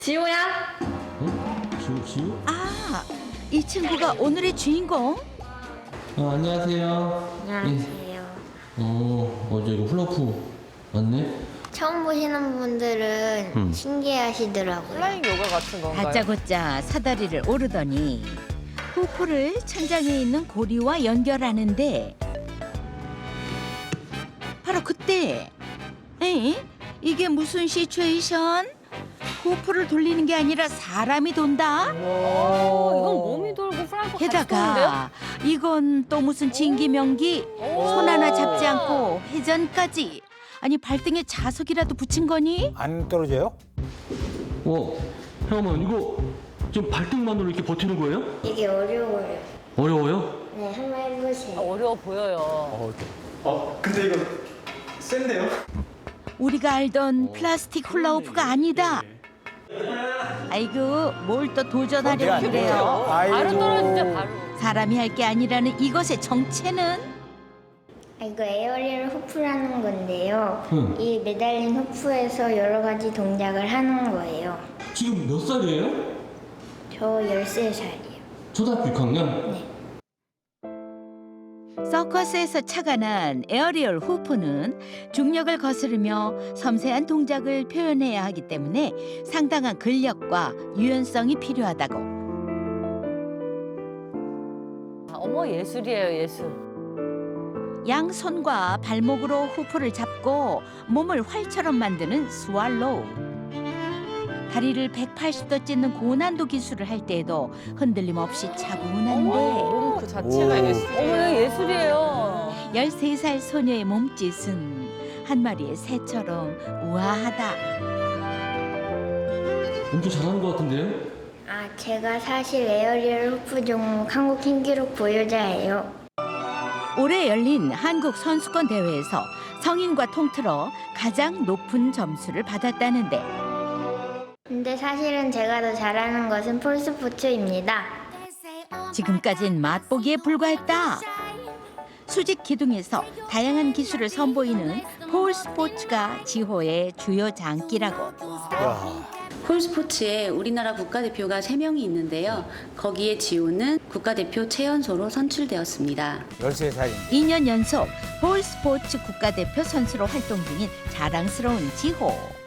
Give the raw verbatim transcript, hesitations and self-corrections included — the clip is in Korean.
지호야? 응? 지우, 지우? 아, 이 친구가 오늘의 주인공? 어, 안녕하세요. 안녕하세요. 예. 어, 어제 이거 훌라프 맞네? 처음 보시는 분들은 음. 신기해하시더라고요. 플라잉 요가 같은 건가요? 다짜고짜 사다리를 오르더니 후프를 천장에 있는 고리와 연결하는데 바로 그때 에? 이게 무슨 시츄에이션? 후프를 돌리는 게 아니라 사람이 돈다? 오, 이건 몸이 돌고 플라잉 같이 도는데요? 게다가 이건 또 무슨 진기명기? 손 하나 잡지 않고 회전까지. 아니 발등에 자석이라도 붙인 거니? 안 떨어져요? 어, 잠깐만, 이거 지금 발등만으로 이렇게 버티는 거예요? 이게 어려워요. 어려워요? 네, 한번 해보세요. 어려워 보여요. 어, 근데 이거 센데요? 우리가 알던 플라스틱 훌라후프가 아니다. 아이고 뭘 또 도전하려고 그래요. 바로 떨어지죠, 바로. 사람이 할 게 아니라는 이것의 정체는? 아, 이거 에어리얼 후프라는 건데요. 응. 이 매달린 후프에서 여러 가지 동작을 하는 거예요. 지금 몇 살이에요? 저 열세 살이요. 초등학교 육 학년? 네. 서커스에서 착안한 에어리얼 후프는 중력을 거스르며 섬세한 동작을 표현해야 하기 때문에 상당한 근력과 유연성이 필요하다고. 아, 어머, 예술이에요, 예술. 양손과 발목으로 후프를 잡고 몸을 활처럼 만드는 스왈로우. 다리를 백팔십 도 찢는 고난도 기술을 할 때에도 흔들림 없이 차분한데 몸 그 자체가 오. 예술이에요. 어머, 예술이에요. 열세 살 소녀의 몸짓은 한 마리의 새처럼 우아하다. 엄청 잘하는 것 같은데요? 아, 제가 사실 에어리얼 후프 종목 한국 신기록 보유자예요. 올해 열린 한국 선수권 대회에서 성인과 통틀어 가장 높은 점수를 받았다는데 근데 사실은 제가 더 잘하는 것은 폴스포츠입니다. 지금까진 맛보기에 불과했다. 수직 기둥에서 다양한 기술을 선보이는 폴 스포츠가 지호의 주요 장기라고. 야, 폴스포츠에 우리나라 국가대표가 세 명이 있는데요. 거기에 지호는 국가대표 최연소로 선출되었습니다. 열세 살인데. 이 년 연속 폴 스포츠 국가대표 선수로 활동 중인 자랑스러운 지호.